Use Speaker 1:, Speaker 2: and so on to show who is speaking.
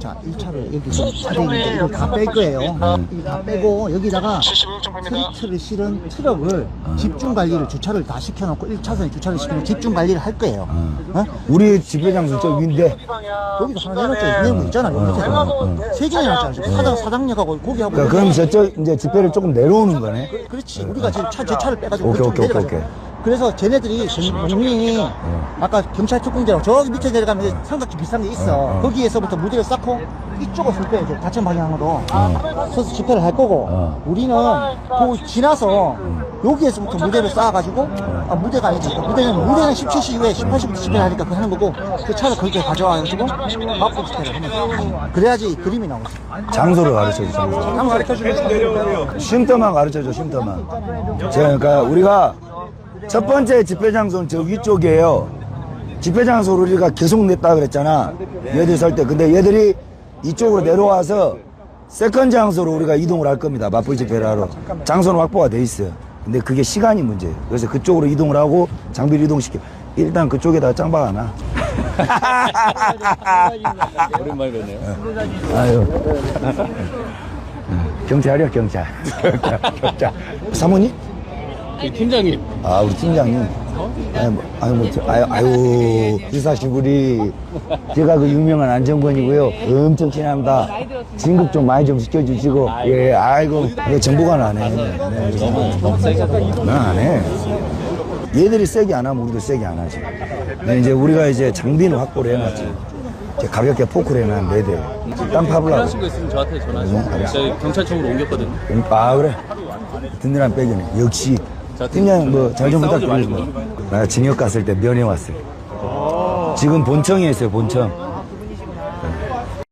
Speaker 1: 자, 1차를 여기서 차량인데 이걸 다 뺄 거예요. 다 빼고 여기다가 트리트를 실은 트럭을 집중 관리를 주차를 다 시켜놓고 1차선에 주차를 시키면 집중 관리를 할 거예요. 어?
Speaker 2: 우리 집회 장소 저 위인데
Speaker 1: 여기도 하나 내놨죠. 내는 거 있잖아요. 세 개나 내놨잖아요. 사장님하고 고기하고.
Speaker 2: 그럼 저쪽 이제 집회를 조금 내려오는 거네.
Speaker 1: 그렇지. 우리가 지금 제 차를 빼가지고
Speaker 2: 오케이,
Speaker 1: 그쪽으로
Speaker 2: 오케이,
Speaker 1: 내려가죠.
Speaker 2: 오케이.
Speaker 1: 그래서 쟤네들이 공민이 아까 경찰 특공대라고 저기 밑에 내려가면 이제 삼각지 비싼 게 있어. 거기에서부터 무대를 쌓고 이쪽으로 설 거예요. 좌천 방향으로 서서 집회를 할 거고 우리는 그 지나서 여기에서부터 무대를 쌓아가지고 무대가 아니지. 무대는 17시 이후에 18시부터 집회를 하니까 그거 하는 거고 그 차를 거기에 가져와가지고 막고 집회를 하는 거야. 그래야지 그림이 나오지.
Speaker 2: 장소를 가르쳐줘, 장소.
Speaker 1: 장소를
Speaker 2: 쉼터만 가르쳐줘, 쉼터만. 그러니까 우리가 첫 번째 집회 장소는 저 위쪽이에요. 집회 장소를 우리가 계속 냈다 그랬잖아. 얘들 설 때. 근데 얘들이 이쪽으로 내려와서 세컨 장소로 우리가 이동을 할 겁니다. 맞불 집회를 하러. 장소는 확보가 돼 있어요. 근데 그게 시간이 문제예요. 그래서 그쪽으로 이동을 하고 장비를 이동시켜. 일단 그쪽에다가 짱박 하나.
Speaker 3: 오랜만에 뵙네요.
Speaker 2: 아유. 경찰이요, 경찰. 경찰. 사모님?
Speaker 3: 팀장님.
Speaker 2: 아, 우리 팀장님. 아유, 기사시부리. 제가 그 유명한 안정권이고요. 엄청 친합니다. 진급 좀 많이 좀 시켜주시고. 예, 아이고. 이거 정보가 나네. 네,
Speaker 3: 너무 세게.
Speaker 2: 난안 해. 얘들이 세게 안 하면 우리도 세게 안 하지. 근데 이제 우리가 이제 장비는 확보를 해놨지. 이제 가볍게 포크를 해놨는데 애들. 땀 파블라고.
Speaker 3: 필요하신 거 있으면 저한테 전화하세요. 저희 경찰청으로 옮겼거든요.
Speaker 2: 아, 그래. 든든한 백이네. 역시. 팀장 뭐 잘 좀 부탁드리고. 나 징역 갔을 때 면회 왔어요. 지금 본청에 있어요, 본청.